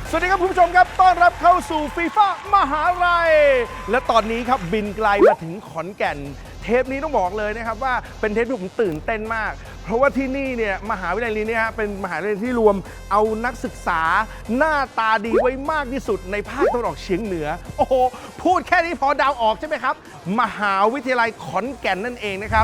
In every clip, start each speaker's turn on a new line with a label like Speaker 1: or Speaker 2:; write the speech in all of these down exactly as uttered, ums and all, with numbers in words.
Speaker 1: สวัสดีครับคุณผู้ชมครับต้อนรับเข้าสู่ฟีฟ่ามหาลัยและตอนนี้ครับบินไกลมาถึงขอนแก่นเทปนี้ต้องบอกเลยนะครับว่าเป็นเทปที่ผมตื่นเต้นมากเพราะว่าที่นี่เนี่ยมหาวิทยาลัยนี้เนี่ยเป็นมหาวิทยาลัยที่รวมเอานักศึกษาหน้าตาดีไว้มากที่สุดในภาคตะวันออกเฉียงเหนือโอ้โหพูดแค่นี้พอเดาออกใช่ไหมครับมหาวิทยาลัยขอนแก่นนั่นเองนะครับ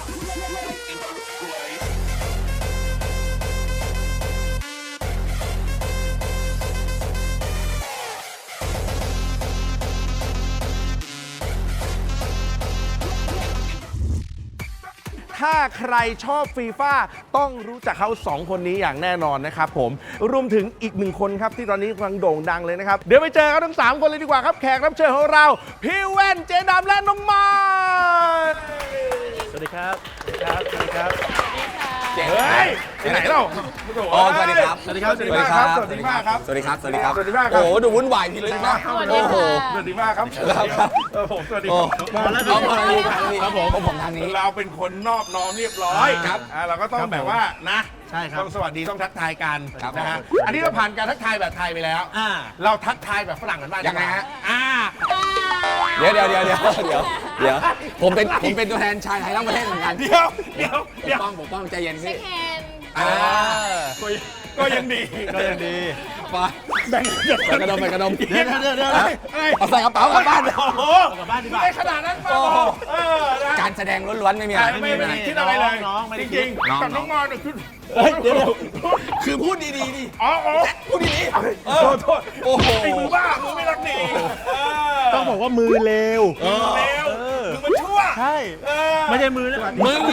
Speaker 1: ถ้าใครชอบฟีฟ่าต้องรู้จักเขาสองคนนี้อย่างแน่นอนนะครับผมรวมถึงอีกหนึ่งคนครับที่ตอนนี้กำลังโด่งดังเลยนะครับเดี๋ยวไปเจอเขาทั้งสามคนเลยดีกว่าครับแขกรับเชิญของเราพี่แว่นเจดำและน้องไม้
Speaker 2: สวัสดีครับสวัสดีครับสวัสดีครับ
Speaker 1: เฮ้ยไปไหนเรา
Speaker 3: อ๋อสวัสดีครับ
Speaker 1: สวัสดีครับสวัสดีครับสวัสดีมากครับ
Speaker 3: สวัสดีครับสวัสดีครับ
Speaker 1: สวัสดีมากครับ
Speaker 3: โอ้ดูวุ่นวายทีเลยนะ
Speaker 1: โอ้โหสวัสดีมากครับครับผมสวัสดีครับ
Speaker 3: มาแล้วครับผมผมทางนี้
Speaker 1: เราเป็นคนนอบน้อมเรียบร้อยครับเราก็ต้องแบบว่านะ
Speaker 2: ใช่ครับ
Speaker 1: ต้องสวัสดีต้องทักทายกันนะฮะอันนี้เราผ่านการทักทายแบบไทยไปแล้วเราทักทายแบบฝรั่งกันบ้าง
Speaker 3: ยังไงฮะ
Speaker 1: อ่า
Speaker 3: เดี๋ยวเดี๋ยวเดี๋ยวเดี๋ยวเดี๋ยวเดี๋ยวผมเป็นผมเป็นตัวแทนชายไทยทั้งประเทศเหมือนกัน
Speaker 1: เดี๋ยวเดี๋ยว
Speaker 3: ปกป้องปกป้องใจเย็นพี่
Speaker 1: ก็ยังดี
Speaker 2: ก็ยังดี
Speaker 3: ไปแบ่งกระดมไปกระดม
Speaker 2: เดี๋ยวเดี๋ยวเดี๋ยว
Speaker 3: เอาใส่กระเป๋ากลับบ้าน
Speaker 1: โอ้โห
Speaker 2: กลับบ้านดีกว่า
Speaker 1: ไม่ขนาดนั้นป่ะ
Speaker 3: การแสดงล้วนๆไม่มีอะไร
Speaker 1: ไม่ไม่ได้คิดอะไรเลยจริงๆกับน้องมอญคือ
Speaker 3: เดี๋ยวคือพูดดีๆดิ
Speaker 1: อ๋อ
Speaker 3: พูดดี
Speaker 1: ๆโทษโทษโอ้โหไอ้มือบ้ามือไม่รักดี
Speaker 2: ต้องบอกว่ามือเลว
Speaker 1: มือเลวมือมันชั่ว
Speaker 2: ใช่ไม่ใช่มือนะ
Speaker 3: มือ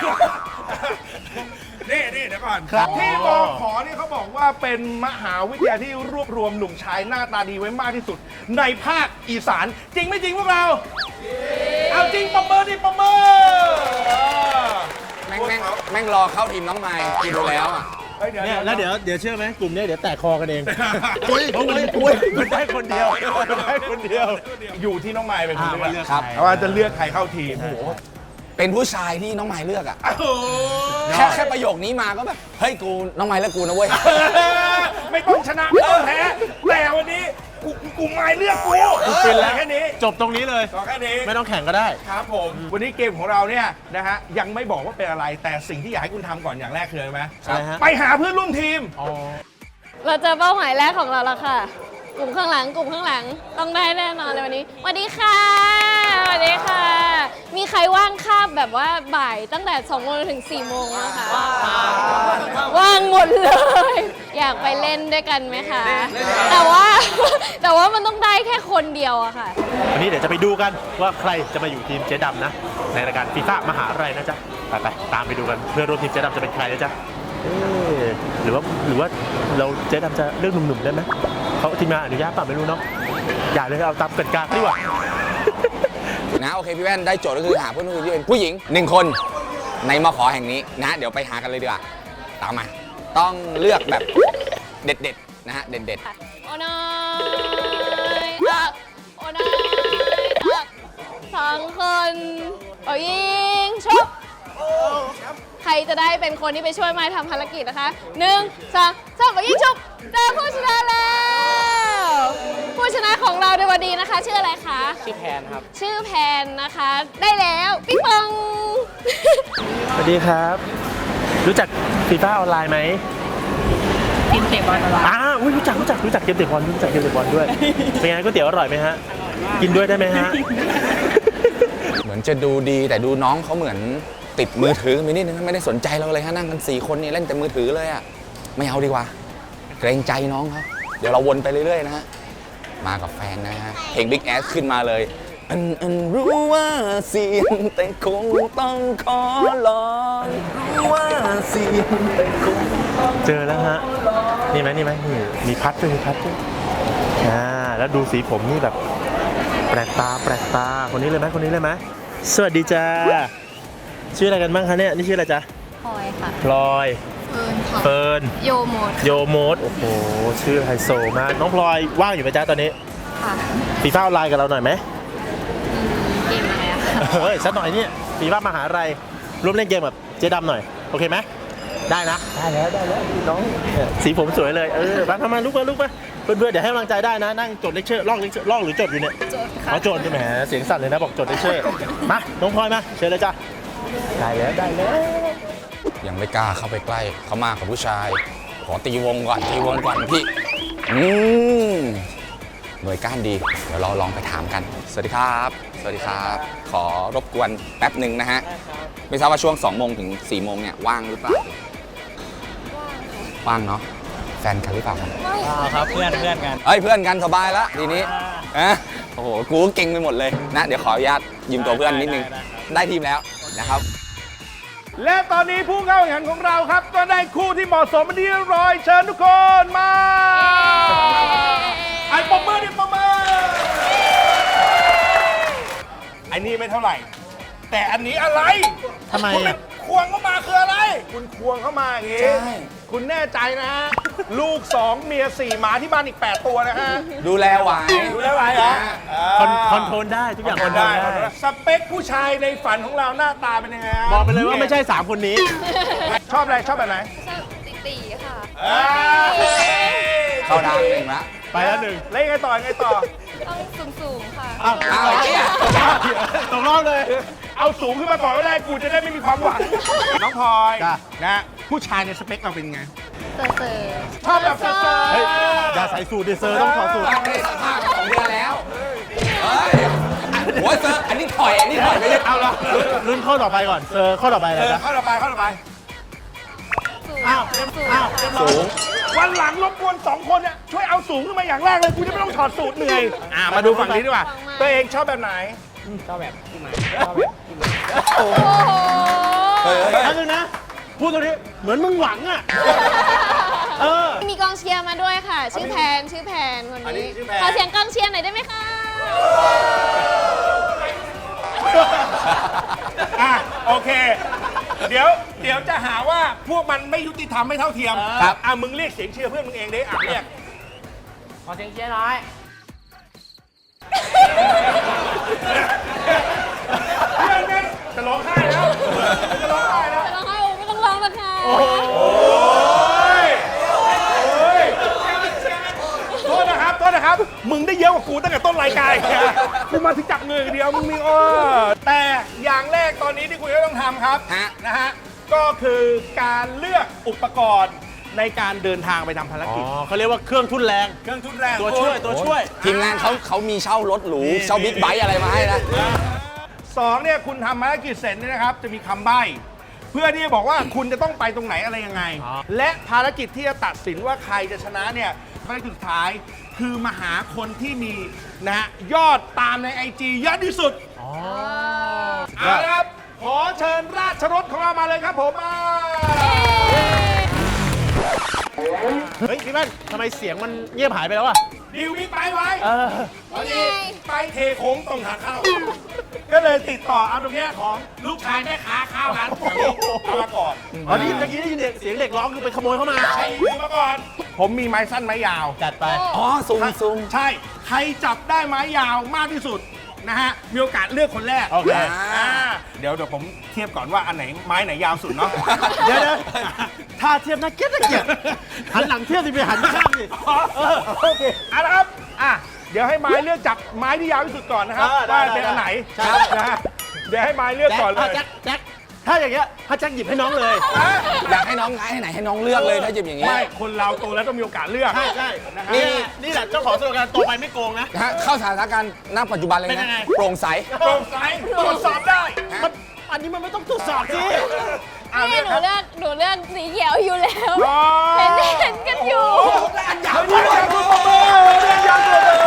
Speaker 1: นี่นี่เดี๋ยวก่อนที่มอขอนี่เขาบอกว่าเป็นมหาวิทยาลัยที่รวบรวมหนุ่มชายหน้าตาดีไว้มากที่สุดในภาคอีสานจริงไม่จริงพวกเราเอาจริงปมเบอร์ดิปมเบอร์
Speaker 3: แม่งแม่งแม่งรอเข้าทีมน้องไมค์กินแล้วอ่ะ
Speaker 2: เนี่ยแล้วเดี๋ยวเดี๋ยวเชื่อไหมกลุ่มนี้เดี๋ยวแตกคอกันเอง
Speaker 3: ปุ้ยปุ้ยปุ้ย
Speaker 2: มันได้คนเดียวมันได้คนเดียว
Speaker 1: อยู่ที่น้องไมค์เป็นคนเลือก
Speaker 3: ครับ
Speaker 1: ว่าจะเลือกใครเข้าทีมโอ้โห
Speaker 3: เป็นผู้ชายที่น้องไมค์เลือกอ่ะแค่แค่ประโยคนี้มาก็แบบเฮ้ยกูน้องไมค์เลือกกูนะเว้ย
Speaker 1: ไม่ต้องชนะไม่ต้องแพ้แต่วันนี้กูกูไมค์เลือกกู
Speaker 2: เป็นแล้ว
Speaker 1: แค่นี้
Speaker 2: จบตรงนี้เลย
Speaker 1: แค่นี้
Speaker 2: ไม่ต้องแข่งก็ได้
Speaker 1: ครับผมวันนี้เกมของเราเนี่ยนะฮะยังไม่บอกว่าเป็นอะไรแต่สิ่งที่อยากให้คุณทำก่อนอย่างแรกคืออะไรไหมไปหาเพื่อนร่วมทีม
Speaker 4: เราเจอเป้าหมายแรกของเราแล้วค่ะกลุ่มข้างหลังกลุ่มข้างหลังต้องได้แน่นอนเลยวันนี้สวัสดีค่ะสวัสดีค่ะมีใครว่างคาบแบบว่าบ่ายตั้งแต่สองโมงถึงสี่โมงนะคะว่างหมดเลยอยากไปเล่นด้วยกันไหมคะแต่ว่าแต่ว่ามันต้องได้แค่คนเดียวอะค่ะ
Speaker 2: วันนี้เดี๋ยวจะไปดูกันว่าใครจะมาอยู่ทีมเจ๊ดำนะในรายการฟีฟ่ามหาลัยนะจ๊ะไปไปตามไปดูกันเพื่อนร่วมทีมเจ๊ดำจะเป็นใครนะจ๊ะหรือว่าหรือว่าเราเจ๊ดำจะเลือกหนุ่มๆได้ไหมเขาทีมงานอนุญาตป่ะไม่รู้เนาะอย่าเลยเอาตามกติกาดีกว่า
Speaker 3: นะโอเคพี่แว่นได้โจทย์ก็คือหาเพื่อนร่วมทีมที่เป็นผู้หญิงหนึ่งคนในมข.แห่งนี้นะเดี๋ยวไปหากันเลยดีกว่าตามมาต้องเลือกแบบเด็ดๆนะฮะเด็ด
Speaker 4: ๆโอ้น้อยตักโอ้น้อยตักสองคนเอายิงชุบใครจะได้เป็นคนที่ไปช่วยไม้ทำภารกิจนะคะหนึ่งสองสามเอายิงชุบเจอผู้ชนะแล้วผู้ชนะของเราในวันนี้นะคะชื่ออะไรคะ
Speaker 5: ชื่อแพนครับ
Speaker 4: ชื่อแพนนะคะได้แล้วปิ๊งปอง
Speaker 2: สวัสดีครับรู้จักฟีฟ่าออนไลน์ไหม
Speaker 5: เกมเตะบอลออนไลน์
Speaker 2: อ่าอุ้ยรู้จักรู้จักรู้จักเกมเตะบอลรู้จักเกมเตะบอลด้วยเป็นไงก๋วยเตี๋ยวอร่อยไหมฮะกินด้วยได้ไหมฮะ
Speaker 3: เหมือนจะดูดีแต่ดูน้องเขาเหมือนติดมือถือไปนิดนึงไม่ได้สนใจเราเลยฮะนั่งกันสี่คนนี่เล่นแต่มือถือเลยอ่ะไม่เอาดีกว่าเกรงใจน้องเขาเดี๋ยวเราวนไปเรื่อยๆนะฮะมากับแฟนนะฮะเพลง Big Ass ขึ้นมาเลยอันอันรู้ว่าเสี่ยงแต่คงต้องขอลองรู้ว่าเสี่ยงแต่คง
Speaker 2: เจอแล้วฮะนี่ไหมนี่ไหมนี่มีพัดด้วยมีพัดด้วยอ่าแล้วดูสีผมนี่แบบแปลกตาแปลกตาคนนี้เลยไหมคนนี้เลยไหมสวัสดีจ้าชื่ออะไรกันบ้างคะเนี่ยนี่ชื่ออะไรจ๊ะ
Speaker 4: พลอยค่ะ
Speaker 2: พลอยเฟิร์น
Speaker 4: โยโมด
Speaker 2: โยโมดโอ้โหชื่อไฮโซมากน้องพลอยว่างอยู่ไหมจ๊ะตอนนี้
Speaker 4: ค่ะ
Speaker 2: ฟีฟ่าออนไลน์กับเราหน่อยไหม
Speaker 4: เกมอะไรอะ
Speaker 2: เฮ้ยสักหน่อยนี่ฟีฟ่ามหาลัยร่วมเล่นเกมแบบเจ๊ดำหน่อยโอเคไหมได้นะได้แล้วได้แล้วน้องสีผมสวยเลยเออมาทำมาลุกมาลุกมาเพื่อนๆเดี๋ยวให้กำลังใจได้นะนั่งจดเลคเชอร์ลอกเลคเชอร์ลอกหรือจดอยู่เนี่ยจดค่ะอ๋อจดใช่ไหมเสียงสั่นเลยนะบอกจดเลคเชอร์มาน้องพลอยมาเชิญเลยจ้ะได้แล้วได้แล้ว
Speaker 3: ยังไม่กล้าเข้าไปใกล้เขามากกับผู้ชาย ขอตีวงก่อนตีวงก่อนพี่อืมหน่วยก้านดี เดี๋ยวเราลองไปถามกัน สวัสดีครับ สวัสดีครับ ขอรบกวนแป๊บหนึ่งนะฮะ ไม่ทราบว่าช่วงสองโมงถึงสี่โมงเนี่ยว่างหรือเปล่า ว่างเนาะแฟนกันหรือเปล่าครับ
Speaker 5: อ่าครับเพื่อนเพื่อนกัน
Speaker 3: เอ้ยเพื่อนกันสบายแล้วทีนี้อะโอ้โหกูก็เก่งไปหมดเลยนะเดี๋ยวขออนุญาตยืมตัวเพื่อนนิดนึงได้ทีมแล้วนะครับ
Speaker 1: และตอนนี้ผู้เข้าแข่งขันของเราครับ ก็ได้คู่ที่เหมาะสมเป็นที่เรียบร้อยเชิญทุกคนมาไอ้ปมมือดิปมมือไอ้นี่ไม่เท่าไหร่ แต่อันนี้อะไร
Speaker 2: ทำไม
Speaker 1: คุณ
Speaker 2: อ่ะ
Speaker 1: ควงเข้ามาคืออะไร คุณควงเข้ามาอย่างงี้
Speaker 3: ใช่
Speaker 1: คุณแน่ใจนะฮะ ลูกสองเมียสี่หมาที่บ้านอีกแปดตัวนะฮะ
Speaker 3: ดูแลไหว
Speaker 1: ดูได้ไหมฮะ
Speaker 2: คอนคอนโทรลได้ทุกอย่างคอนโทรลได้
Speaker 1: สเปคผู้ชายในฝันของเราหน้าตาเป็นยังไงฮะ
Speaker 2: บอกไปเลยว่าไม่ใช่สามคนนี้
Speaker 1: ชอบอะไรชอบแบบไหน
Speaker 4: ชอบตีๆค่ะ
Speaker 1: อ่า
Speaker 3: เข้าทางหนึ่งละ
Speaker 2: ไปแล้วหนึ่ง
Speaker 1: แล้วยังไงต่อยังไงต่อ
Speaker 4: ต้องสูงๆค่ะ
Speaker 2: อ้าว
Speaker 3: เอาไอ้เนี่ย
Speaker 2: ตกรอบเลย
Speaker 1: เอาสูงขึ้นมาก่อนก็ได้กูจะได้ไม่มีความหวัง น้องพลอย
Speaker 2: จ้ะ
Speaker 1: นะผู้ชายในสเปคเราเป็นไง
Speaker 4: เซอร์เซอร์
Speaker 1: ชอบแบบเซอร์
Speaker 2: เฮ้ยอย่าใส่สูทดิเซอร์ต้องถอดสูท
Speaker 3: ไม่ได้สัมภาษณ์สองเดือนแล้ว เฮ้ยหัวเซอร์อันนี้ถอย อันนี้ถอยไปเลย
Speaker 2: เอาละลุ้นข้อต่อไปก่อนเซอร์ข้อต่อไป
Speaker 1: เอ
Speaker 2: เลย
Speaker 1: อ
Speaker 2: นะ
Speaker 1: เข้าต่อไปเข้าต่อไป
Speaker 4: สูง
Speaker 2: อ้าว
Speaker 4: สูง
Speaker 2: อ้าวเรียบร้อย
Speaker 3: สูง
Speaker 1: วันหลังรบกวนสองคนเนี่ยช่วยเอาสูงขึ้นมาอย่างแรกเลยกูจะไม่ต้องถอดสูตรเหนื่อยอ่ามาดูฝั่งนี้ดีกว่า ตัวเองชอบแบบไหน
Speaker 5: ชอบแบบพี่หมายชอบแบบพี่หมาย
Speaker 4: โอ้โห
Speaker 3: เฮ้ยเฮ้ย
Speaker 2: แป๊บนึงนะ พูดตรงนี้เหมือนมึงหวังอ่ะ เออ
Speaker 4: มีกองเชียร์มาด้วยค่ะ ชื่อแพนชื่อแพนคน
Speaker 1: อันนี้
Speaker 4: นี้
Speaker 1: ชื่อแพน
Speaker 4: ขอเสียงกองเชียร์หน่อยได้ไหมคะ
Speaker 1: อ่ะโอเค เดี๋ยวเดี๋ยวจะหาว่าพวกมันไม่ยุติธรรมไม่เท่าเทียม
Speaker 3: ครับ
Speaker 1: อ่ะมึงเรียกเสียงเชียร์เพื่อนมึงเองดิอ่ะเรียก
Speaker 5: ขอเสียงเชียร์หน่อย
Speaker 1: เพื่อนแม่งจะร้องไห้แล้วจะร้องไห้แล้ว
Speaker 4: แต่ร้องไห้ไม่ต้องร้องนะคะ
Speaker 1: โอ้ยโอ้ยโทษนะครับ โทษนะครับ มึงได้เยอะกว่ากูตั้งแต่ต้นรายการอีกนะกูมาถึงจับมืออย่างเดียว มึงมีอ้อแต่อย่างแรกตอนนี้ที่คุณจะต้องทำครับ
Speaker 3: ฮะ
Speaker 1: นะฮะ ก็คือการเลือกอุปกรณ์ในการเดินทางไปทำภาร
Speaker 2: อ๋อ
Speaker 1: กิจ
Speaker 2: เขาเรียกว่าเครื่องทุ่นแรง
Speaker 1: เครื่องทุนแรง
Speaker 2: ตัวช่วยตัวช่วย
Speaker 3: ทีมงานเขาเขามีเช่ารถหรู เช่าบิ๊กไบค์อะไรมาให้นะ
Speaker 1: สองเนี่ยคุณทำภารกิจเสร็จเนี่ยนะครับ จะมีคำใบ้ เพื่อที่จะบอกว่าคุณจะต้องไปตรงไหนอะไรยังไง
Speaker 2: อ๋อ
Speaker 1: และภารกิจที่จะตัดสินว่าใครจะชนะเนี่ยภารกิจสุดท้ายคือมาหาคนที่มีนะฮะยอดตามใน ไอ จี เยอะที่สุด
Speaker 2: อ๋อ
Speaker 1: เอาละครับ ขอเชิญราชรถของเรามาเลยครับผมมา
Speaker 2: เฮ้ยพี่แม่นทำไมเสียงมันเงียบหายไปแล้วอ่ะ
Speaker 1: ดิวบิ๊กไบค์ไว้
Speaker 2: เออ
Speaker 1: พอดีไปเทโค้งตรงทางเข้า ก็เลยติดต่อเอาตรงเนี้ยของลูกชายแม่ค้าข้าวร้านแถวนี้เอามาก่อน
Speaker 2: อ๋อนี่เมื่อกี้ได้ยินเด็กเสียงเด็กร้องคือไปขโมยเข้ามา
Speaker 1: ใช่ดูมาก่อน ผมมีไม้สั้นไม้ยาว
Speaker 2: จัดไป
Speaker 3: อ๋อ ซูมซูม
Speaker 1: ใช่ ใครจับได้ไม้ยาวมากที่สุดนะฮะ มีโอกาสเลือกคนแรก
Speaker 2: โอเค
Speaker 1: อ่าเดี๋ยวเดี๋ยวผมเทียบก่อนว่าอันไหนไม้ไหนยาวสุดเนาะ
Speaker 2: เดี๋ยวนะถ้าเทียบน่าเกลียดน่าเกลียดหันหลังเทียบสิไปหันข้างสิ
Speaker 1: อ๋อโอเคเอาละครับ อ่ะ เดี๋ยวให้ไม้เลือกจับไม้ที่ยาวที่สุดก่อนนะครับ
Speaker 2: เออได้
Speaker 1: ว่าเป็น
Speaker 2: ได้
Speaker 1: อันไหน
Speaker 2: ครับ
Speaker 1: นะฮะเดี๋ยวให้ไม้เลือก
Speaker 2: แจ็ค
Speaker 1: ก่อนเล
Speaker 2: อ่ะ
Speaker 1: ย
Speaker 2: แจ็คแจ็คถ้าอย่างเงี้ยถ้าแจ็คหยิบให้น้องเลย
Speaker 1: อ่ะ
Speaker 3: อยากให้น้องไงให้ไหนให้น้องเลือกเลยถ้าหยิบอย่างงี้
Speaker 1: ไม่ คนเราโตแล้วต้องมีโอกาสเลือก
Speaker 2: ใช่ใช่
Speaker 1: นะฮะ
Speaker 2: นี่นี่แหละเจ้าของสโลแกนโตไปไม่โกงนะ
Speaker 3: นะฮะเข้าสถานการณ์ณปัจจุบันเลย
Speaker 2: เป็นยั
Speaker 3: นะ
Speaker 2: งไง
Speaker 3: โปร่งใส
Speaker 1: โปร่งใสตรวจสอบได้
Speaker 2: มันอันนี้มันไม่ต้องตรวจสอบสิ
Speaker 1: อ่ะ
Speaker 4: นี่
Speaker 1: เลือก
Speaker 4: ห
Speaker 1: ค
Speaker 4: นู
Speaker 1: รับ
Speaker 4: เลือกหนูเลือกสีเขียวอยู่แล้ว
Speaker 1: อ๋อ
Speaker 4: เห็นเห็นกันอยู่
Speaker 1: อันยาวด้วยครับคุณปรบมือเรียกยาวตัวเลย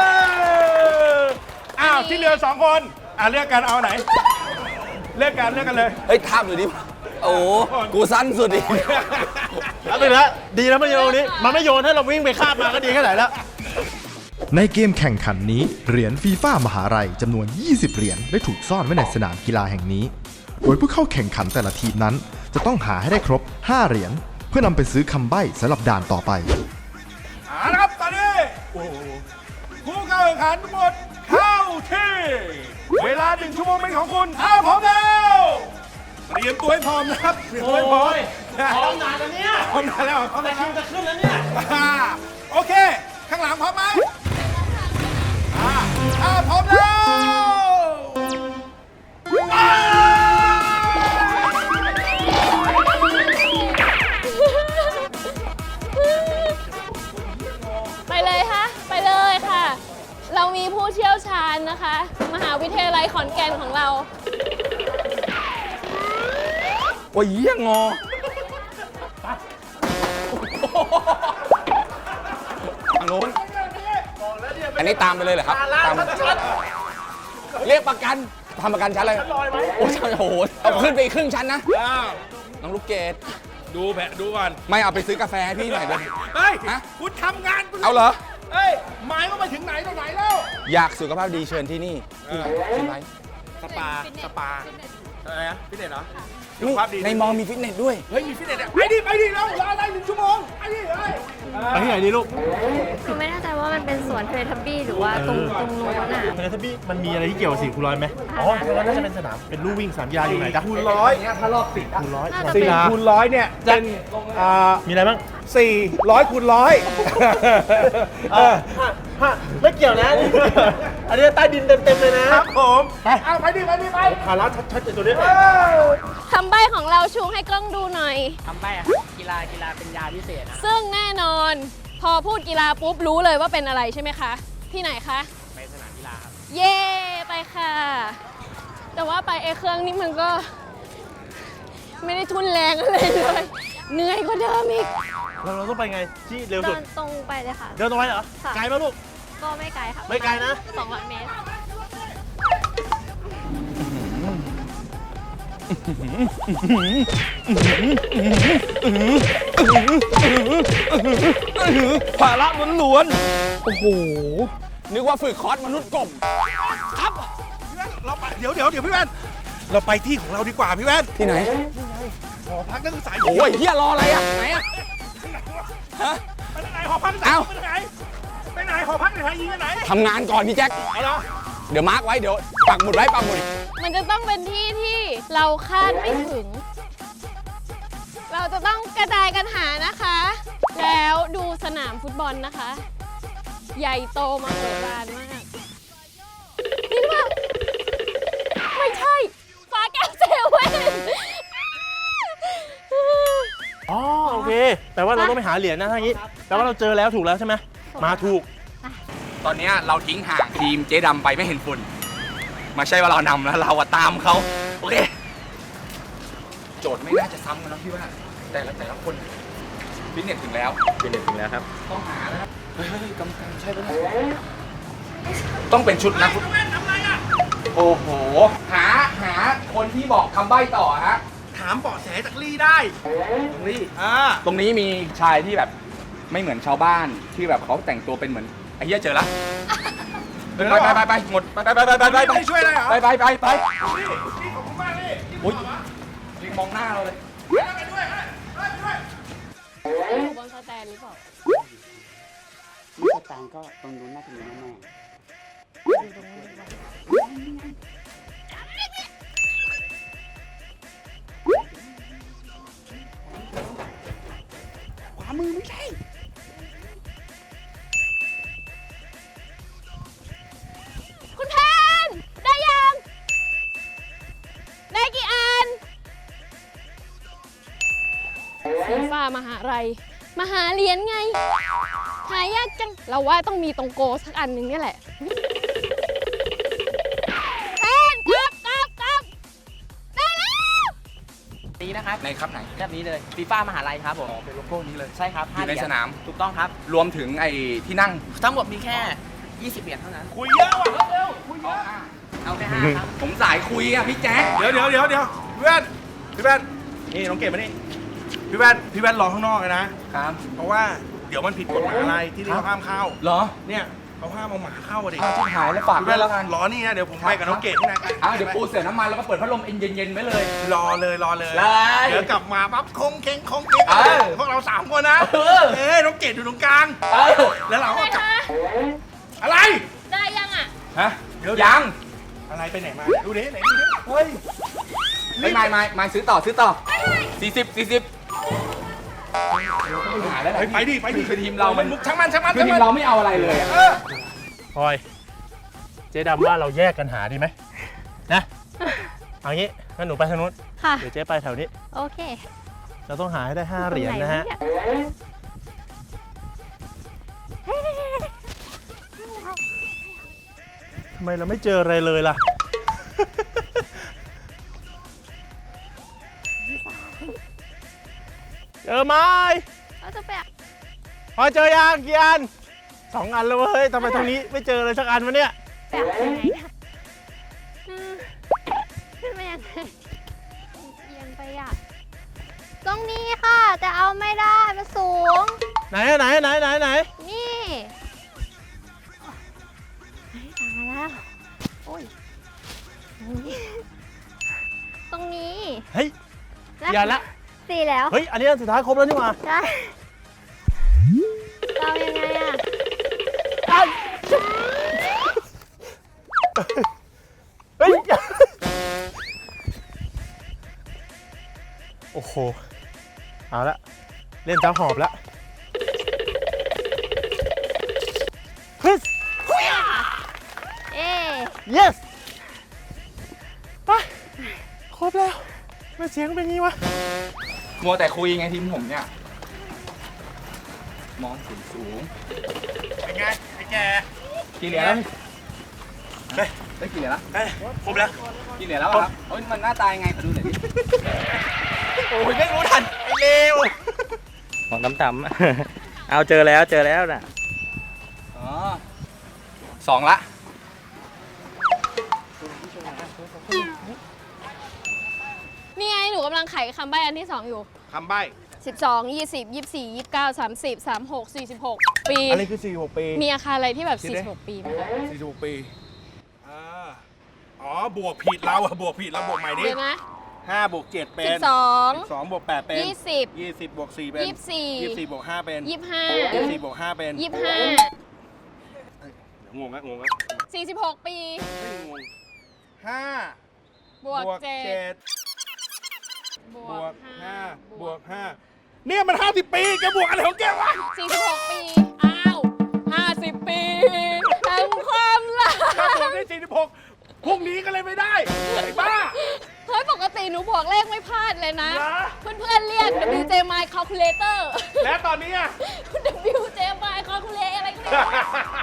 Speaker 1: อ้าวที่เหลือสองคนอ่ะเลือกกันเอาไหน เลือกกันเลือกกันเลย
Speaker 3: เฮ้ยทาบดูดิ โอ้โหกูสั้นสุดดิ
Speaker 2: แล้วไปแล้วดีแล้วไม่โยนตรงนี้ มันไม่โยนให้เราวิ่งไปคาบมาก็ดีแค่ไหนแล้ว
Speaker 6: ในเกมแข่งขันนี้เหรียญฟีฟ่ามหาลัยจำนวน ยี่สิบ เหรียญได้ถูกซ่อนไว้ในสนามกีฬาแห่งนี้ โดยผู้เข้าแข่งขันแต่ละทีมนั้น จะต้องหาให้ได้ครบ ห้า เหรียญเพื่อนำไปซื้อคำใบ้สำหรับด่านต่อไป
Speaker 1: เอาละครับตอนนี้ผู้เข้าแข่งขันทั้งหมดเข้าที่ เวลาหนึ่งชั่วโมงเป็นของคุณถ้าพร้อมแล้วเตรียมตัวให้พร้อมนะครับเตรียมตัวให้พร้อม
Speaker 2: โอ้ยพร้อมนานแล้วเนี่ย
Speaker 1: พร้อมนานแล้วพร้อม
Speaker 2: แต่
Speaker 1: นาน
Speaker 2: คิ
Speaker 1: แล้ว ว
Speaker 2: จะขึ้นแล้วเนี่ย
Speaker 1: อ่าโอเคข้างหลังพร้อมไหมอ่าอ่าพร้อมแล้วว้าว
Speaker 4: ไปเลยค่ะ ไปเลยค่ะ เรามีผู้เชี่ยวชาญนะคะ มหาวิทยาลัยขอนแก่นของเรา
Speaker 3: โอ้ยเยี่ยงอทางโน้นอันนี้ตามไปเลยเหรอครับตามเรียกประกันทำประกันชั้นอะไรโอ้ยโอ้โหเอาขึ้นไปอีกครึ่งชั้นนะ
Speaker 1: อ้าว
Speaker 3: น้องลูกเกด
Speaker 1: ดูแผะดูก่อน
Speaker 3: ไม่เอาไปซื้อกาแฟให้พี่หน่อยเลย
Speaker 1: เฮ้ย
Speaker 3: ฮะ
Speaker 1: คุณทำงานคุณ
Speaker 3: เอาเหรอ
Speaker 1: เฮ้ยหมายว่าไปถึงไหนตรงไหนแล้ว
Speaker 3: อยากสุขภาพดีเชิญที่นี่ที่ไหนที่ไหน
Speaker 1: สปา สปา อะไรนะฟิตเนสเหรอ
Speaker 3: นี่ในมอมีฟิตเนสด้วย
Speaker 1: เฮ้ย มีฟิตเนสอ่ะไปดิ ไปดิแล้วรออะไรหนึ่งชั่วโมง ไปดิเฮ้ย
Speaker 2: ไปที่ไหนดีลูก
Speaker 7: คือไม่แน่ใจว่ามันเป็นสวนเทเลทับบี้หรือว่าตรงตรงโน้นอ่ะ
Speaker 2: เทเลทับบี้มันมีอะไรที่เกี่ยวกับสี่คูณร้อยไหมอ๋อเพราะว่าน่าจะเป็นสนาม เป็นลู่วิ่งสนามกีฬาอยู่ไหนจ๊ะ
Speaker 1: คูณร้อย
Speaker 2: คูณร้อย
Speaker 7: น่าจะ
Speaker 1: สี่
Speaker 7: เป็น
Speaker 1: คูณร้อยเนี่ยเป็นอ่า
Speaker 2: มีอะไรบ้าง
Speaker 1: สี่ร้อยคูณร้อยเออ
Speaker 2: ฮะไม่เกี่ยวนะ อันนี้ใต้ดินเต็มๆเลยนะครับ
Speaker 1: ผม
Speaker 2: ไป
Speaker 1: เอาไปดิ ไปดิ ไป
Speaker 2: ภาระชัดๆตัวนี้
Speaker 1: เออ
Speaker 4: คำใบ้ของเราชูให้กล้องดูหน่อย
Speaker 5: ทำไปอะครับกีฬากีฬาเป็นยาพิเศษนะ
Speaker 4: ซึ่งแน่นอน พอพูดกีฬาปุ๊บรู้เลยว่าเป็นอะไรใช่ไหมคะ ที่ไหนคะ
Speaker 5: ไปสนามกีฬาครับ
Speaker 4: เย่ไปค่ะ แต่ว่าไปไอเครื่องนี้มันก็ ไม่ได้ทุนแรงอะไรเลย เหนื่อยกว่าเดิมอีก
Speaker 2: เราเราต้องไปไงที่เร็ว
Speaker 7: เดิ
Speaker 2: สุด
Speaker 7: นตรงไปเลยค่ะ
Speaker 2: เดินตรงไปเหรอ
Speaker 7: ค่ะ
Speaker 2: ไกลป่ะลูก
Speaker 7: ก็ไม่ไกลค่ะ
Speaker 2: ไม่ไกลนะ
Speaker 7: สองร้อยเมตร
Speaker 3: ภาระล้วนๆโอ้โห นึกว่าฝึกคอร์สมนุษย์กบ
Speaker 1: ครับเราไปเดี๋ยวเดี๋ยวเดี๋ยวพี่แว่น เราไปที่ของเราดีกว่าพี่แว่น
Speaker 3: ที่ไหน
Speaker 1: หอพักนักศึกษา
Speaker 3: โอ้ยเฮียรออะไรอ่ะ ไหนอ่ะ ฮะ
Speaker 1: ไปไหนหอพักนักศึกษา
Speaker 3: เอ้า
Speaker 1: ไปไหนไปไหนหอพักไหนยิงไปไหน
Speaker 3: ทำงานก่อนพี่แจ็ค
Speaker 1: เอาละ
Speaker 3: เดี๋ยวมาร์กไว้ เดี๋ยวปักหมุดไว้ปักหมุด
Speaker 4: มันจะต้องเป็นที่ที่เราคาดไม่ถึง เราจะต้องกระจายกันหานะคะ แล้วดูสนามฟุตบอลนะคะ ใหญ่โตมโหฬารมาก นี่ป่ะไม่ใช่ ฟ้าแก้วเซเว่น
Speaker 2: อ๋อโอเค แต่ว่าเราต้องไปหาเหรียญนะถ้าอย่างนี้ แต่ว่าเราเจอแล้วถูกแล้วใช่ไหม มาถูก
Speaker 3: ตอนนี้เราทิ้งห่างทีมเจ๊ดำไปไม่เห็นฝุ่นมาใช่ว่าเรานำแล้วเราอะตามเขาโอเค โจทย์ไม่น่าจะซ้ำกันนะพี่ว่า แต่ละแต่ละคนฟิตเนสถึงแล้ว
Speaker 2: ฟิตเนสถึงแล้วครับ
Speaker 3: ต้องหานะครับเฮ้ยเฮ้ยกำลังใช่ปะเนี่ยต้องเป็นชุดนะ โอ้โห หาหาคนที่บอกคำใบ้ต่อฮะ
Speaker 1: ถามเบาะแสจากลี่ได้
Speaker 3: นี่
Speaker 1: อ่า
Speaker 3: ตรงนี้มีชายที่แบบไม่เหมือนชาวบ้านที่แบบเขาแต่งตัวเป็นเหมือนไอ้เหี้ยเจอละไปไปไปไปหมดไปไปไปไปไปไป
Speaker 1: ไม่ได้ช่วยอะไรเหรอ
Speaker 3: ไปไปไปไป
Speaker 1: นี่นี่ขอบคุณมากนี่นี่
Speaker 3: อุ้ยลิงมองหน้าเราเลย
Speaker 1: ไปด้วยเฮ้ยไปด้วย
Speaker 4: อยู่บนสแตนหรือเปล่า
Speaker 5: นี่สตางค์ก็ตรงนู้นน่าจะมีแน่
Speaker 4: คุณแพนได้ยัง ได้กี่อันฟีฟ่ามหาลัยมหาเหรียญไง หายากจัง เราว่าต้องมีตรงโกสักอันหนึ่งเนี่ยแหละแพนกลับกลับกลับได้แล้ว
Speaker 5: ๆนี้นะครับ
Speaker 3: ในครับไหน
Speaker 5: แบบนี้เลยฟีฟ่ามหาลัยครับผม
Speaker 3: อ๋อเป็นโลโก้นี้เลย
Speaker 5: ใช่ครับ
Speaker 3: อยู่ใน
Speaker 5: ห้เหรีญ
Speaker 3: สนาม
Speaker 5: ถูกต้องครับ
Speaker 3: รวมถึงไอ้ที่นั่ง
Speaker 5: ทั้งหมดมีแค่ ยี่สิบ เหรียญเท่านั้น
Speaker 1: คุยเยอะว่ะเร็วคุยเยอะ
Speaker 5: เอาแค่ห้าครับ
Speaker 3: ผมสายคุยอ่ะพี่แจ๊ค
Speaker 1: เดี๋ยวเดี๋ยวเดี๋ยวเดี๋ยวพี่แว่นพี่แว่นนี่น้องเกดมานี่พี่แว่นพี่แว่นรอข้างนอกเลยนะ
Speaker 3: ครับ
Speaker 1: เพราะว่าเดี๋ยวมันผิดกฎหมายอะไรที่นี่เขาห้ามเข้า
Speaker 3: เหรอ
Speaker 1: เนี่ยเขาห้ามเอาหมาเข้าอะดิ
Speaker 3: เอาชิบหายแล้วฝาก
Speaker 1: พี่
Speaker 3: ด้ว
Speaker 1: แว่
Speaker 3: ย
Speaker 1: น
Speaker 3: แล้วกัน
Speaker 1: รอนี่นะเดี๋ยวผมไปกับน้องเกดข้างใน
Speaker 3: อ่ะเดี๋ยวปูเสือน้ำมันแล้วก็เปิดพัดลมเย็นๆไว้เลย
Speaker 1: รอเลยรอเลย
Speaker 3: เลย
Speaker 1: เดี๋ยวกลับมาปั๊บคงเค้งคงเค้ง
Speaker 3: เออ
Speaker 1: พวกเราสามคนนะ
Speaker 3: เออ
Speaker 1: เอ้ยน้องเกดอยู่ตรงกลาง
Speaker 3: เออ
Speaker 1: แล้วเราก็
Speaker 4: ได้
Speaker 1: กลับ
Speaker 4: คะ
Speaker 1: อะไร
Speaker 4: ได้ยังอ่ะ
Speaker 3: ฮะ
Speaker 1: เดี๋ยว
Speaker 3: ยัง
Speaker 1: อะไรไปไหนมาดูดิไหนดูดิเฮ้ย
Speaker 3: ไม่ไม่ไม่ไม่ซื้อต่อซื้อต่อสี่สิบสี่สิบหาได้ไหม
Speaker 1: ไปดิไปดิ
Speaker 3: คือทีมเรามัน
Speaker 1: ช่างมันช่างมัน
Speaker 3: คือทีมเราไม่เอาอะไรเลยอะ
Speaker 2: พลอย เจ๊ดำว่าเราแยกกันหาดีไหมนะเอางี้งั้นหนูไปทางนู้น
Speaker 7: ค่ะ
Speaker 2: เดี๋ยวเจ๊ไปแถวนี้
Speaker 7: โอเค
Speaker 2: เราต้องหาให้ได้ห้าเหรียญนะฮะ
Speaker 7: ตรงไหวเนี่ย
Speaker 2: ทำไมเราไม่เจออะไรเลยล่ะ เจอไหม
Speaker 7: เราจะไป
Speaker 2: พอเจอยังกี่อันสองอันแล้วเว้ยทำไมตรงนี้ไม่เจอเลยสักอันวะเนี่ย
Speaker 7: แปะยังไงเนี่ยอืมขึ้นไปยังไงเอียงไปอ่ะ ตรงนี้ค่ะ แต่เอาไม่ได้ มันสูง
Speaker 2: ไหนอะไหนไหนไหนไหน
Speaker 7: นี่เฮ้ยตายแล้ว โอ้ย ตรงนี้
Speaker 2: เฮ้ยอย่าละ
Speaker 7: สี่แล้ว
Speaker 2: เฮ้ยอันนี้อันสุดท้ายครบแล้วนี่หว่า
Speaker 7: ใช่เรายังไงอ่ะ
Speaker 2: เฮ้ยโอ้โหเอาละเล่นจ้าหอบแล้วเฮ้ย
Speaker 7: เอ๊ะ
Speaker 2: yes ไปครบแล้วไม่เสียงเป็นงี้วะ
Speaker 3: มัวแต่คุยไงทีมผมเนี่ยมองสูงสูง
Speaker 2: เป็นไงไอ้แก
Speaker 3: กี่เหรียญแล้วได้กี่เหรียญแล้ว
Speaker 2: เฮ้ยครบแล้ว
Speaker 3: กี่เหรียญแล้วอะครับเฮ้ยมันหน้าตายไงขอดูหน่อยดิ
Speaker 2: โอ้ยไม่รู้ทันไอ้เลว
Speaker 8: มองต่ำๆ เอาเจอแล้วเจอแล้วน่ะ
Speaker 3: อ๋อสองละ
Speaker 4: นี่ไงหนูกำลังไขคำใบ้อันที่สองอยู่
Speaker 1: คำใบ้
Speaker 4: สิบสอง ยี่สิบ ยี่สิบสี่ ยี่สิบเก้า สามสิบ สามสิบหก สี่สิบหก ปี
Speaker 1: อะไรคือสี่สิบหกปี
Speaker 4: มีอาคารอะไรที่แบบ
Speaker 1: คิดดิ
Speaker 4: สี่สิบหก ปีไหมคะ
Speaker 1: สี่สิบหกปีอ่าอ๋อบวกผิดเราอะบวกผิดเราบวกใหม่ดิ
Speaker 4: เดี๋ยวนะ
Speaker 1: ห้าบวกเจ็ดเป็น
Speaker 4: สิบสอง
Speaker 1: สองบวกแปดเป็น
Speaker 4: ยี่สิบ
Speaker 1: ยี่สิบบวกสี่เป็น
Speaker 4: ยี่สิบสี่
Speaker 1: ยี่สิบสี่บวกห้าเป็น
Speaker 4: ยี่สิบห้า
Speaker 1: ยี่สิบสี่บวกห้าเป็น
Speaker 4: ยี่สิบห้า
Speaker 1: เดี๋ยวงงอะงงอะ
Speaker 4: สี่สิบหก ปี
Speaker 1: ไม่งงห้า
Speaker 4: บวกเจ็ด
Speaker 1: บบ วกห้าบวกห้าเนี่ยมันห้าสิบปีแกบวกอะไรของแกวะ
Speaker 4: สี่สิบหก ปี อ้าวห้าสิบ ปีแห่งความรัก
Speaker 1: ถ้าบวกได้สี่สิบหกพรุ่งนี้ก็เลยไม่ได้ไอ้บ้า
Speaker 4: เฮ้ย ปกติหนูบวกเลขไม่พลาดเลยนะ
Speaker 1: เหรอ
Speaker 4: เพื่อนๆ เรียก ดับเบิลยู เจ My Calculator
Speaker 1: และตอนนี้อะ
Speaker 4: ดับเบิลยู เจ My Calculator อะไรก็ไม่รู้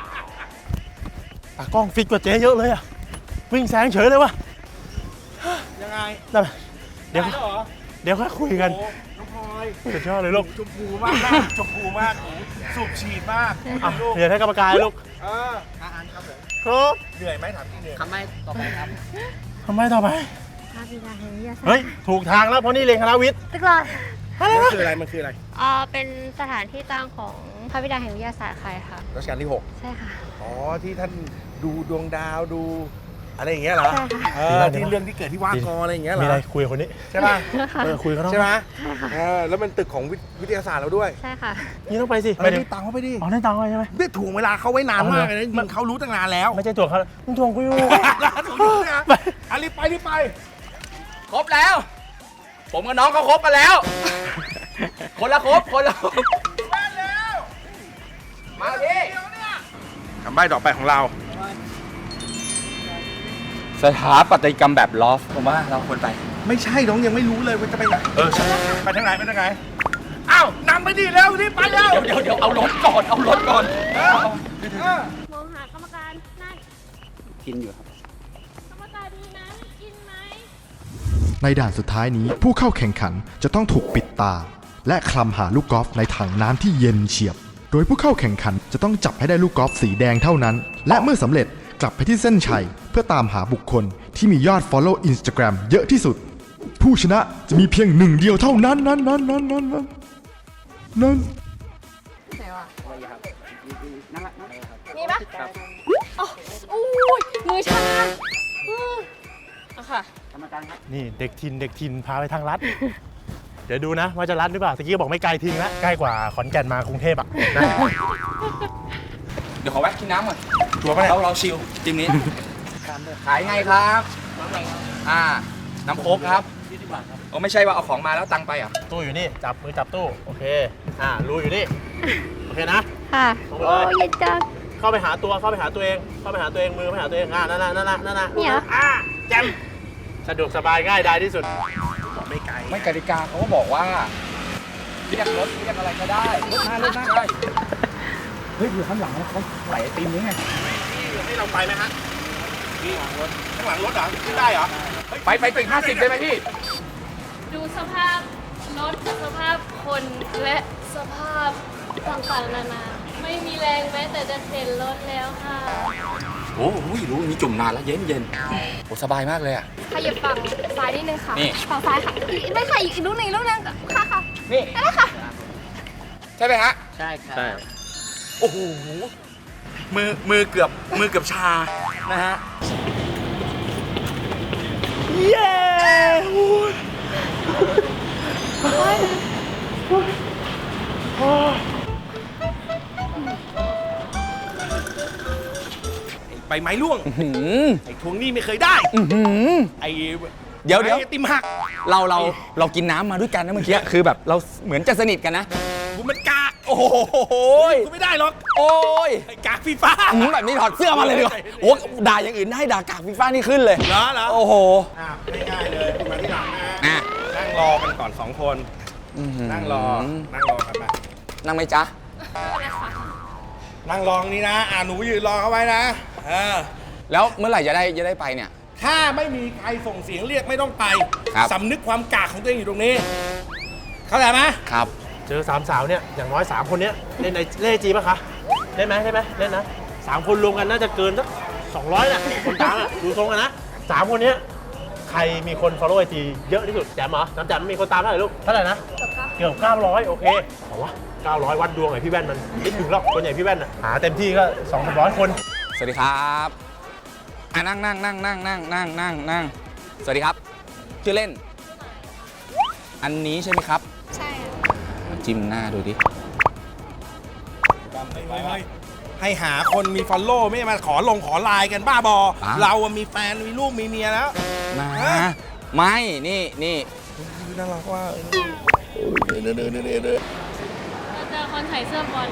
Speaker 2: ตากล้องฟิตกว่าเจ๊เยอะเลยอะวิ่งแซงเฉยเลยวะ
Speaker 1: ยังไง
Speaker 2: นั่นเดี๋ยว
Speaker 1: ได้แล้วเหรอ
Speaker 2: เดี๋ยวค่อยคุยกัน
Speaker 1: โอ้น้องพลอย
Speaker 2: สุดยอดเลยลูก
Speaker 1: ชมพูมากนะชมพูมากสูบฉีดมาก
Speaker 2: อ่ะ
Speaker 1: ลูก
Speaker 2: เดี๋ยวให้กรรมการลูก
Speaker 1: เอออ่านครับผม
Speaker 2: ครบ
Speaker 1: เหนื่อยไหมถามจริงเหนื่อย
Speaker 3: คำใบ้ต่อไปครับ
Speaker 2: ทำไมต่อไป
Speaker 7: พระบิดาแห่งวิทยาศาสตร์
Speaker 2: เฮ้ย ถูกทางแล้วเพราะนี่เรียนคณะวิทย์
Speaker 7: ตึกหลอด
Speaker 1: มันคืออะไรมันคืออะไร
Speaker 7: อ่าเป็นสถานที่ตั้งของพระบิดาแห่งวิทยาศาสตร์ใครค่ะ
Speaker 1: รัชกาลที่หก
Speaker 7: ใช่ค่ะ
Speaker 1: อ๋อที่ท่านดูดวงดาวดูอะไรอย่างเงี้ยเหรอ
Speaker 7: ใช่ค่ะ
Speaker 1: เออที่เรื่องที่เกิดที่ว่ากออะไรอย่างเงี้ยเหร
Speaker 2: มี
Speaker 1: อ
Speaker 2: อะไรคุยกับคนนี้
Speaker 1: ใช่ป่ะ
Speaker 7: ค่ะ
Speaker 2: เออคุยกับเขา
Speaker 1: ใช่ไหม
Speaker 7: ใช่ค่ะ
Speaker 1: เออแล้วมันตึกของวิวิทยาศาสตร์เราด้วย
Speaker 7: ใช่ค่ะ
Speaker 2: นี่ต้องไปสิ
Speaker 1: เอ
Speaker 2: ไป
Speaker 1: อ
Speaker 2: ดิ
Speaker 1: ได้ตังค์เขาไปดิ
Speaker 2: อ๋อได้ตังค์ไว้ใช่ไหม
Speaker 1: ได้ถ่วงเวลาเขาไว้นาน
Speaker 2: เอาเหรอ
Speaker 1: มากเลยนะมันเขารู้ตั้งนานแล้ว
Speaker 2: ไม่ใช่ตัวเขามึงทวงกูอยู่
Speaker 1: ถูกต้องนะอ่ะรีบไปรีบไป
Speaker 3: ครบแล้ว ผมกับน้องเขาครบกันแล้ว คนละครบคนละครบมาดิ
Speaker 1: คำใบ้ต่อไปของเรา
Speaker 3: สถาปัตยกรรมแบบลอฟผมว่าเราควรไป
Speaker 1: ไม่ใช่น้องยังไม่รู้เลยว่าจะไปไหนเออใช่ไปทางไหนไปทางไหนอ้าวนำไปดิเร็วรีบไปเร็ว
Speaker 3: เดี๋ยวเดี๋ยวเอารถก่อนเอารถก่อน
Speaker 1: เออเออ
Speaker 4: มองหากรรมการนั่น
Speaker 5: กินอยู่ครับ
Speaker 4: กรรมการดูนะกินไหม
Speaker 6: ในด่านสุดท้ายนี้ผู้เข้าแข่งขันจะต้องถูกปิดตา และคลำหาลูกกอล์ฟในถังน้ำที่เย็นเฉียบ โดยผู้เข้าแข่งขันจะต้องจับให้ได้ลูกกอล์ฟสีแดงเท่านั้น และเมื่อสำเร็จกลับไปที่เส้นชัยเพื่อตามหาบุคคลที่มียอด Follow Instagram เยอะที่สุด ผู้ชนะจะมีเพียงหนึ่งเดียวเท่านั้นนั้นนั้นนั้นนั้นนั้นนั้น
Speaker 4: ไหนวะ
Speaker 5: นั่นแหละนั่นแหละครับ
Speaker 4: มีปะอ๋ออุ้ยมือชาอืมอะค่ะ
Speaker 5: กรรมการครับ
Speaker 2: นี่เด็กทินเด็กทินพาไปทางลัด เดี๋ยวดูนะว่าจะลัดหรือเปล่าตะกี้ก็บอกไม่ไกลทิ้งแล้วใกล้กว่าขอนแก่นมากรุงเทพอ่ะนะ
Speaker 3: เดี๋ยวขอแวะกินน้ำก่อน
Speaker 2: ชัวร์ปะเนี่ย
Speaker 3: เราเราชิลทีมนี้ ขายไงครับ อ่า น้ำโค้กครับ
Speaker 2: ยี่สิบบาทครับ
Speaker 3: โอ้ไม่ใช่ว่าเอาของมาแล้วตังค์ไปเหรอ่ะ
Speaker 2: ตู้อยู่นี่ จับมือจับตู้ โอเค อ่ารูอยู่นี่ โอเคนะ
Speaker 7: ค่ะ
Speaker 2: ลงไป
Speaker 7: โอ้
Speaker 2: เลย
Speaker 7: ยยจัง
Speaker 2: เข้าไปหาตัว เข้าไปหาตัวเอง เข้าไปหาตัวเอง มือไปหาตัวเอง อ่านั่นน่ะนั่นน่ะนั่นน่ะ
Speaker 7: เนี่ยเหรอ
Speaker 2: อ่าแจมสะดวกสบายง่ายดายที่สุด ไม่ไกล
Speaker 3: ไม่กติกาเขาก็บอกว่าเรียกรถเรียกอะไรก็ได้รถหน้ารถหน้าได้เฮ้ยอยู่ข้างหลังเขาไหลไอติมนี้ไง
Speaker 2: ให้เราไปไหมฮะข้างหลังรถข้างหลังรถเหรอขึ้นได้เหรอ
Speaker 3: ไปไปถึงห้าสิบได้ไหมพี่
Speaker 4: ดูสภาพรถสภาพคนและสภาพต่างๆนานาไม่มีแรงแม้แต่จะเข็นรถแล้วค่ะ
Speaker 3: โอ้โหรู้นี่จุ่มนานแล้วเย็นเย็นโอ้สบายมากเลยอ่ะ
Speaker 7: ขยับฝั่งซ้ายนิดนึงค่ะ
Speaker 3: นี่
Speaker 7: ฝั่งซ้ายค่ะอีกได้ค่ะอีกลูกหนึ่งอีกลูกหนึงค่ะค่ะ
Speaker 3: นี่
Speaker 7: ได้ค่ะ
Speaker 3: ใช่ไหมฮะ
Speaker 5: ใช่ครับ
Speaker 2: ใช่
Speaker 3: โอ้โห มือ มือเกือบ มือเกือบชา นะฮะ
Speaker 2: เย้ใบไม้ร่วง
Speaker 3: หืม
Speaker 2: ไอ้ทวงหนี้ไม่เคยได้
Speaker 3: อื้อหือ
Speaker 2: ไอ้
Speaker 3: เดี๋ยวเดี๋ยว
Speaker 2: ไอ้ติมหัก
Speaker 3: เราเราเรากินน้ำมาด้วยกันนะเมื่อกี้ คือแบบเราเหมือนจะสนิทกันนะ
Speaker 2: กูมันกาก
Speaker 3: โอ้โห
Speaker 2: กูไม่ได้หรอก
Speaker 3: โอ้ย
Speaker 2: ไอ้กากฟีฟ้า
Speaker 3: อื้อแบบนี้ถอดเสื้อมาเลยดีกว่าโอ้ด่าอย่างอื่นได้ด่ากากฟีฟ้านี่ขึ้นเลย
Speaker 2: เหรอเหรอ
Speaker 3: โอ้โห
Speaker 2: อ่ะง่ายๆเลยมาที่หลังนะ
Speaker 3: อ่ะ
Speaker 2: นั่งรอกันก่อนสองคน นั่งรอ นั่งรอกันมา
Speaker 3: นั่งไหมจ๊ะ
Speaker 2: นั่งรองนี้นะ อ่าหนูยืนรอเขาไว้นะ เออ
Speaker 3: แล้วเมื่อไหร่จะได้จะได้ไปเนี่ย
Speaker 2: ถ้าไม่มีใครส่งเสียงเรียกไม่ต้องไป
Speaker 3: ครับ
Speaker 2: สำนึกความกากของตัวเองอยู่ตรงนี้ เข้าใจไหม
Speaker 3: ครับ
Speaker 2: เจอสามสาวเนี่ย อย่างน้อยสามคนเนี้ยเล่นในเล่นจีป่ะคะ เล่นไหมเล่นไหมเล่นนะสามคนรวมกันน่าจะเกินสักสองร้อยน่ะคนกลางอ่ะ ดูทรงกันนะสามคนเนี้ยใครมีคน follow ไอจีเยอะที่สุดแจมเหรอน้ำแจมมีคนตามเท่าไหร่ลูก เท่าไหร่นะ เกือบเก้าร้อยโอเคเอาวะเก้าร้อยวัดดวงไอพี่แว่นมันนิดหนึ่งหรอกคนใหญ่พี่แว่นอ่ะ หาเต็มที่ก็สองสามร้อยคน
Speaker 3: สวัสดีครับอ่ะนั่งนั่งนั่งนั่งนั่งนั่งนั่งนั่งสวัสดีครับ ชื่อเล่น อันนี้ใช่ไหมครับ
Speaker 7: ใช่
Speaker 3: จิ้มหน้าดูดิ
Speaker 2: ให้หาคนมี follow ไม่มาขอลงขอไลน์กันบ้าบอ เราอะมีแฟนมีลูกมีเมียแล้ว
Speaker 3: มา ไม่ นี่นี่
Speaker 2: น่ารักว่า
Speaker 4: เราเจอคนใส่เสื้อบอล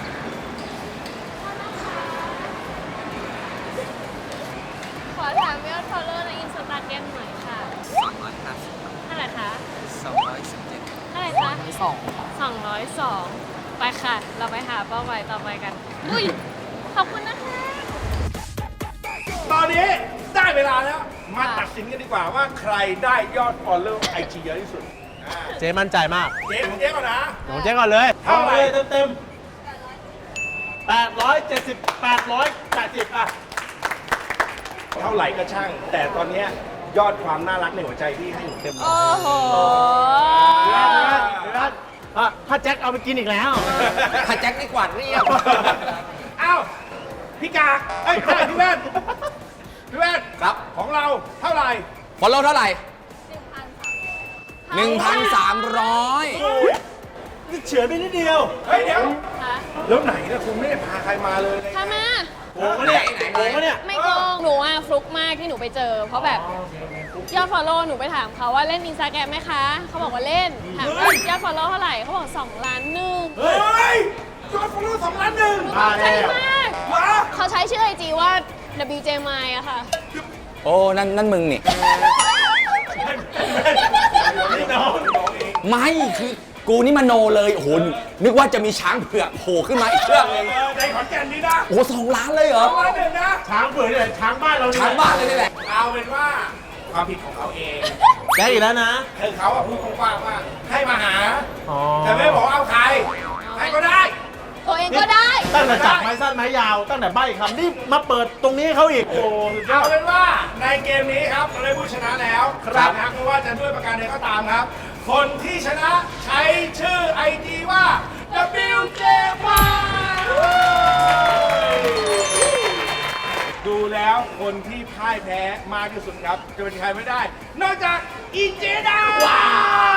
Speaker 4: ขอถามยอด follow ในอินสตาแกรมหน่อยค่ะสองร้อยครับเท่าไหร่คะสองร้อยสิบเจ็ดเท่าไหร่คะสองสองร้อยสองไปค่ะ เราไปหาเป้าหมายต่อไปกัน อุ้ย ขอบคุณนะคะ
Speaker 2: ตอนนี้ได้เวลาแล้ว มาตัดสินกันดีกว่าว่าใครได้ยอด follow ไอจีเยอะที่สุด เจ๊มั่นใจมาก เจ๊ของเจ๊ก่อนนะของเจ๊ก่อนเลยเท่าไหร่เต็มเต็มแปดร้อยเจ็ดสิบแปดร้อยแปดสิบอ่ะ เท่าไหร่ก็ช่าง แต่ตอนเนี้ยยอดความน่ารักในหัวใจพี่ให้หนูเต็ม
Speaker 4: โอ้โห
Speaker 2: เดี๋ยวนะเดี๋ยวนะอ่ะถ้าแจ็คเอาไปกินอีกแล้ว
Speaker 3: ถ้าแจ็คนี่กวาดเรียบ
Speaker 2: เอ้า พี่กากเอ้ยไม่ใช่พี่แว่น พี่แว่น
Speaker 3: ครับ
Speaker 2: ของเราเท่าไหร่
Speaker 3: ฟอลโล่เท่าไหร่หนึ่งพันสามร้อย
Speaker 2: นี่เฉือนไปนิดเดียว เฮ้ยเดี๋ยว
Speaker 4: คะ
Speaker 2: แล้วไหนเนี่ยคุณไม่ได้พาใครมาเลย
Speaker 4: ทำไม
Speaker 2: โอ้โหเนี่ยโอ้โหเนี่ย
Speaker 4: ไม่โกงหนูอ่ะฟลุกมากที่หนูไปเจอ เพราะแบบยอด follow หนูไปถามเขาว่าเล่นอินสตาแกรมไหมคะ เขาบอกว่าเล่น ถามว่ายอด follow เท่าไหร่ เขาบอกสองล้านหนึ่ง
Speaker 2: เฮ้ยยอดฟอลโล่สองล้านหนึ่ง
Speaker 4: หนูตกใจมาก
Speaker 2: ว้า
Speaker 4: เขาใช้ชื่อไอจีว่า ดับเบิลยู เจ เอ็ม ไอ อะค่ะ
Speaker 3: โอ้ นั่นนั่นมึงนี่
Speaker 2: นี่น้องน้องเอง
Speaker 3: ไม่ คือกูนี่มโนเลย โอ้โห นึกว่าจะมีช้างเผือกโผล่ขึ้นมาอีกเชือกหนึง
Speaker 2: เออในขอนแก่นนี้นะ
Speaker 3: โอ้โหสองล้านเลยเหรอ
Speaker 2: สองล้านหนึ่งนะ ช้างเผือกเนี่ยช้างบ้านเราเนี่ย
Speaker 3: ช้างบ้านเลยนี่แหละ
Speaker 2: เอาเป็นว่าความผิดของเขาเอง
Speaker 8: ได้อีกแล้วนะ
Speaker 2: คือเขาอะพูดกว้างๆว่าให้มาหา
Speaker 8: อ๋อ
Speaker 2: แต่ไม่บอกเอาใคร ใครก็ได้
Speaker 4: ตัวเองก็ได้
Speaker 8: ตั้งแต่จับไม้สั้นไม้ยาว ตั้งแต่ใบ้คำนี่มาเปิดตรงนี้ให้เขาอีก โอ้สุดยอ
Speaker 2: เอา
Speaker 8: ด
Speaker 2: เป็นว่าในเกมนี้ครับเราได้ผู้ชนะแล้ว
Speaker 8: ครับ
Speaker 2: นะไม่ว่าจะด้วยประการใดก็ตามครับ คนที่ชนะใช้ชื่อไอจีว่า ดับเบิลยู เจ เอ็ม ไอ ดูแล้วคนที่พ่ายแพ้มากที่สุดครับ จะเป็นใครไม่ได้ นอกจากอีเจดาว้าว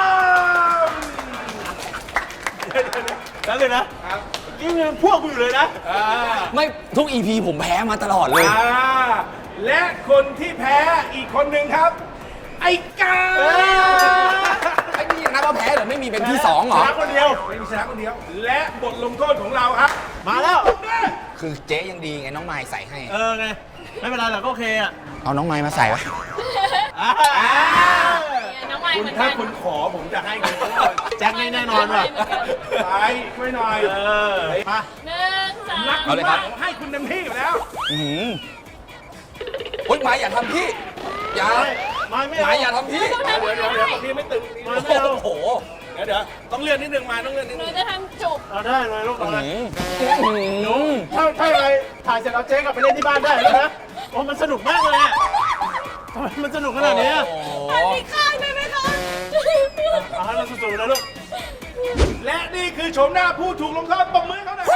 Speaker 8: แล้วเลยนะ
Speaker 2: ครับ
Speaker 8: ยิ่งพวกกูอยู่เลยนะ
Speaker 2: อ่า
Speaker 3: ไม่ทุก อี พี ผมแพ้มาตลอดเลย
Speaker 2: อ่าและคนที่แพ้อีกคนหนึ่งครับ ไอ
Speaker 1: อ้กา
Speaker 3: ไอ้นี่นับว่าแพ้เหรือไม่มีเป็นที่สองเหรอ
Speaker 8: ชนะคนเดียว
Speaker 1: ไม่มีชนะคนเดียว และบทลงโทษของเราครับ
Speaker 8: มาแล้ว
Speaker 3: คือเจ๊ยังดีไงน้องไม้ใส่ให้
Speaker 8: เออไง ไม่เป็นไรหรอกก็โอเคอ่ะ
Speaker 3: เอาน้องไม้มาใส่วะ
Speaker 8: อ่า
Speaker 4: น้องไม้
Speaker 1: คุ
Speaker 4: เห
Speaker 1: ณ
Speaker 4: มือน
Speaker 1: ถ้า
Speaker 4: กัน
Speaker 1: คุณขอผมจะให้คุณ
Speaker 8: แจ็คนี่แน่นอนว่ะ
Speaker 1: ไปช่วยหน่อย
Speaker 8: เออ มา
Speaker 4: หนึ่งสอง
Speaker 1: รัก
Speaker 3: เอาเลยครับ
Speaker 1: ผมให้คุณเต็มที่อยู่แล้ว
Speaker 3: อือโอ๊ยไม้อย่าทำพี่ อย่า
Speaker 8: ไม่ไม่
Speaker 3: ไม้
Speaker 8: เอา
Speaker 3: อย่าทำพี่
Speaker 1: เดี๋ยวเดี๋ยวเดี๋ยวพี่ไม่ตึง
Speaker 8: ไม่ไม่เอา
Speaker 3: โอ้โห
Speaker 1: เดี๋ยวเดี๋ยวต้องเลื่อนนิดนึงมาต้องเลื่อนนิด
Speaker 4: หนู
Speaker 1: นึง
Speaker 4: จะทำจุก
Speaker 8: เอาได้เลยลูกเอาเลย
Speaker 3: อืม
Speaker 8: ถ้าถ้าอะไรถ่ายเสร็จเอาเจ๊กลับไปเล่นที่บ้านได้แล้วนะโอ้มันสนุกมากเลยอ่ะทำไมมันสนุกขนาดนี้อะ
Speaker 3: โอ้โห
Speaker 4: อันนี้ข้างได้ไหมคะ
Speaker 8: เอาให้มันสุดๆนะลูก
Speaker 1: และนี่คือโฉมหน้าผู้ถูกลงโทษปมมือเขาหน่อย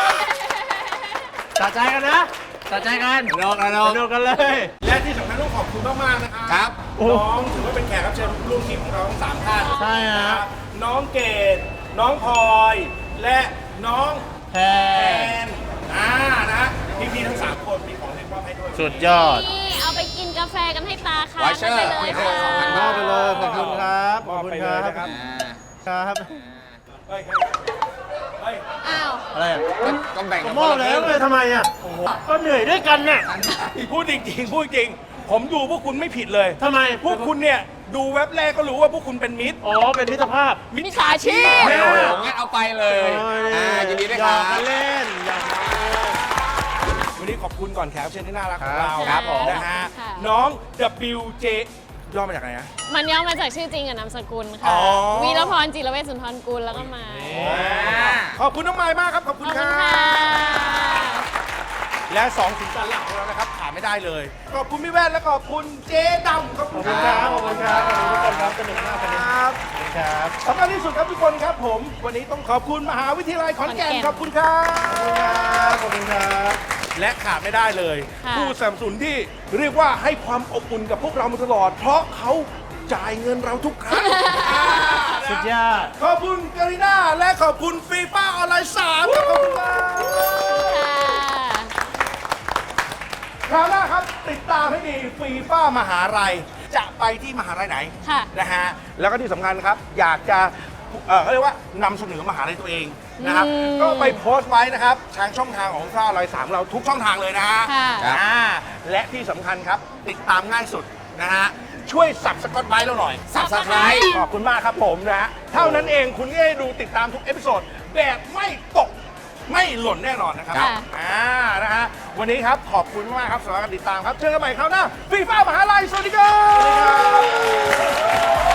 Speaker 8: ตัดใจกันนะตัดใจกันสนุกกันสนุกกันเลย
Speaker 1: และที่สำคัญต้องขอบคุณมากๆนะครับ
Speaker 3: ครับ
Speaker 1: น้องถือว่าเป็นแขกรับเชิญร่วมทีมของเราทั้งสามท่าน
Speaker 8: ใช่ฮะ
Speaker 1: นะครับน้องเกดน้องพลอย และน้อง
Speaker 8: แพ
Speaker 1: แอน นอ่านะพี่ๆทั้งสามคนมีของเล่นมอบให้ด้วย
Speaker 8: สุดยอด
Speaker 4: นี่เอาไปกินกาแฟกันให้ตาค่ะ
Speaker 3: ไวเชอร์
Speaker 4: ไปเลย
Speaker 3: ไวเชอ
Speaker 4: ค่ะ
Speaker 3: ร์
Speaker 8: มอบไปเลยขอบคุณครับข
Speaker 1: ม
Speaker 8: อ
Speaker 1: อ
Speaker 8: บบ คุณ
Speaker 1: ไป
Speaker 8: ค
Speaker 1: เลย
Speaker 8: รับ
Speaker 1: นะครับ
Speaker 8: ครับ
Speaker 1: เฮ้ยเฮ้ย
Speaker 4: อ้าว
Speaker 8: อะไรอ่ะ
Speaker 3: ก็แบ่ง
Speaker 8: ก็
Speaker 3: กัน
Speaker 8: มอบแล้วเลยทำไมอ่ะก็เหนื่อยด้วยกันน่ะ
Speaker 1: พูดจริงๆพูดจริง ผมดูพวกคุณไม่ผิดเลย
Speaker 8: ทำไม
Speaker 1: พวกคุณเนี่ยดูเว็บแรกก็รู้ว่าพวกคุณเป็นมิตร
Speaker 8: อ๋อเป็นมิตรภาพ
Speaker 1: มิจฉาชีพ
Speaker 3: โอ้โหงั้นเอาไปเลยอ่ายินดีด้วย
Speaker 8: หย
Speaker 3: ครั
Speaker 8: อบ กกันเล่นหยอกกันเล่น
Speaker 1: วันนี้ขอบคุณก่อนแขกรับเชิญที่น่ารักของเรา
Speaker 3: ครับผม
Speaker 1: นะฮะ
Speaker 4: ค่ะ
Speaker 1: น้อง ดับเบิลยู เจ ย่อมาจากไหนนะ
Speaker 4: มันย่อมาจากชื่อจริงกับนามสกุล
Speaker 1: อ๋
Speaker 4: ค่ะ
Speaker 1: อ
Speaker 4: วีรพรจิรเวชสุนทรกุลแล้วก็มา
Speaker 1: ขอบคุณน้องไม้มากครับ ขอบ
Speaker 4: ข
Speaker 1: คุ
Speaker 4: อบ
Speaker 1: ณ
Speaker 4: คุ
Speaker 1: ค
Speaker 4: ณ
Speaker 1: รั
Speaker 4: ค่ะ
Speaker 1: บ และสองสินสันหลักของเรานะครับขาดไม่ได้เลย ขอบคุณพี่แว่นและขอบคุณเจ๊ดำขอบ
Speaker 8: ข
Speaker 1: คุ
Speaker 8: อบ
Speaker 1: ณ
Speaker 8: คุณ
Speaker 1: ค
Speaker 8: ค
Speaker 1: รั
Speaker 8: รับบ ขอบคุณครับขอบคุณทุกคนครับสนุกมากวันนี้
Speaker 1: ครับ
Speaker 8: ครับ
Speaker 1: สำคัญที่สุดครับทุกคนครับผม วันนี้ต้องขอบคุณมหาวิทยาลัยขอนแก่น
Speaker 4: ขอนแก่น
Speaker 1: ขอบคุณครับ
Speaker 8: ขอบคุณครับ
Speaker 1: และขาดไม่ได้เลย
Speaker 4: ค่ะ
Speaker 1: ผู้สนับสนุนที่เรียกว่าให้ความอบอุ่นกับพวกเรามาตลอด เพราะเขาจ่ายเงินเราทุกครั้ง
Speaker 8: สุดยอด
Speaker 1: ขอบคุณการีน่าและขอบคุณฟีฟ่าออนไลน์สามครับขอบคุณครับ
Speaker 4: ค่ะ
Speaker 1: คราวหน้าครับติดตามให้ดีฟีฟ่ามหาลัยจะไปที่มหาลัยไหน
Speaker 4: ค่ะ
Speaker 1: นะฮะแล้วก็ที่สำคัญครับ อยากจะเอ่อเขาเรียกว่านำเสนอมหาลัยตัวเองนะครับ
Speaker 4: อืม
Speaker 1: ก็ไปโพสต์ไว้นะครับทางช่องทางของฟีฟ่าออนไลน์สามเราทุกช่องทางเลยนะฮะ
Speaker 4: ค่ะ
Speaker 1: อ่าและที่สำคัญครับติดตามง่ายสุดนะฮะช่วยสับสกอตไบต์เราหน่อย
Speaker 4: Subscribe
Speaker 1: ขอบคุณมากครับผมนะฮะเท่านั้นเองคุณก็ได้ดูติดตามทุกเอพิโซดแบบไม่ตกไม่หล่นแน่นอนนะครับ
Speaker 4: ค่ะ
Speaker 1: อ่านะฮะวันนี้ครับขอบคุณมากครับสำหรับการติดตามครับเจอกันใหม่คราวหน้าฟีฟ่ามหาลัยสวัสดีครับ